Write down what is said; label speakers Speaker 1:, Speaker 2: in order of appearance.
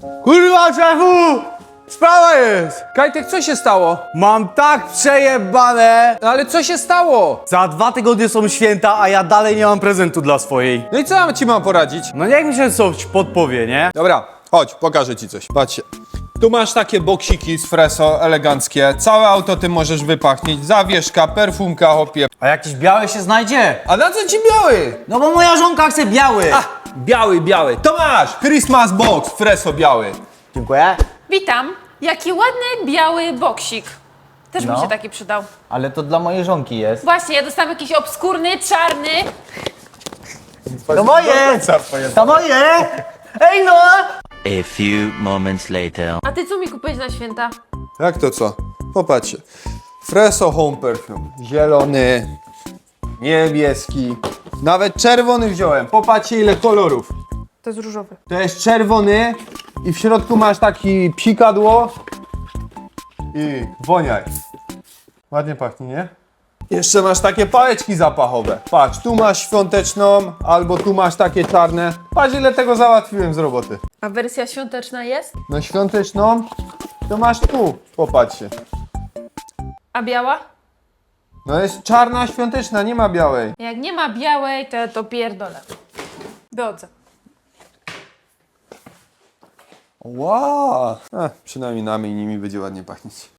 Speaker 1: Kurwa, szefu! Sprawa jest!
Speaker 2: Kajtek, co się stało?
Speaker 1: Mam tak przejebane!
Speaker 2: No ale co się stało?
Speaker 1: Za 2 tygodnie są święta, a ja dalej nie mam prezentu dla swojej.
Speaker 2: No i co ja ci mam poradzić?
Speaker 1: No niech mi się coś podpowie, nie?
Speaker 2: Dobra, chodź, pokażę ci coś. Patrzcie. Tu masz takie boksiki z Freso, eleganckie. Całe auto ty możesz wypachnieć. Zawieszka, perfumka, hopie.
Speaker 1: A jakiś biały się znajdzie?
Speaker 2: A na co ci biały?
Speaker 1: No bo moja żonka chce biały!
Speaker 2: Biały. To masz! Christmas box, Freso biały.
Speaker 1: Dziękuję.
Speaker 3: Witam. Jaki ładny, biały boksik. Też
Speaker 1: No.
Speaker 3: mi się taki przydał.
Speaker 1: Ale to dla mojej żonki jest.
Speaker 3: Właśnie, ja dostałam jakiś obskurny, czarny.
Speaker 1: To moje! To moje! Ej no!
Speaker 4: A few moments later.
Speaker 3: A ty co mi kupiłeś na święta?
Speaker 2: Jak to co? Popatrzcie. Freso Home Perfume. Zielony, niebieski, nawet czerwony wziąłem. Popatrzcie ile kolorów.
Speaker 3: To jest różowy.
Speaker 2: To jest czerwony i w środku masz taki psikadło i woniaj. Ładnie pachnie, nie? Jeszcze masz takie pałeczki zapachowe. Patrz, tu masz świąteczną, albo tu masz takie czarne. Patrz ile tego załatwiłem z roboty.
Speaker 3: A wersja świąteczna jest?
Speaker 2: No świąteczną to masz tu, popatrzcie.
Speaker 3: A biała?
Speaker 2: No jest czarna świąteczna, nie ma białej.
Speaker 3: Jak nie ma białej, to ja to pierdolę. Drodze.
Speaker 2: Wow! Przynajmniej nami i nimi będzie ładnie pachnieć.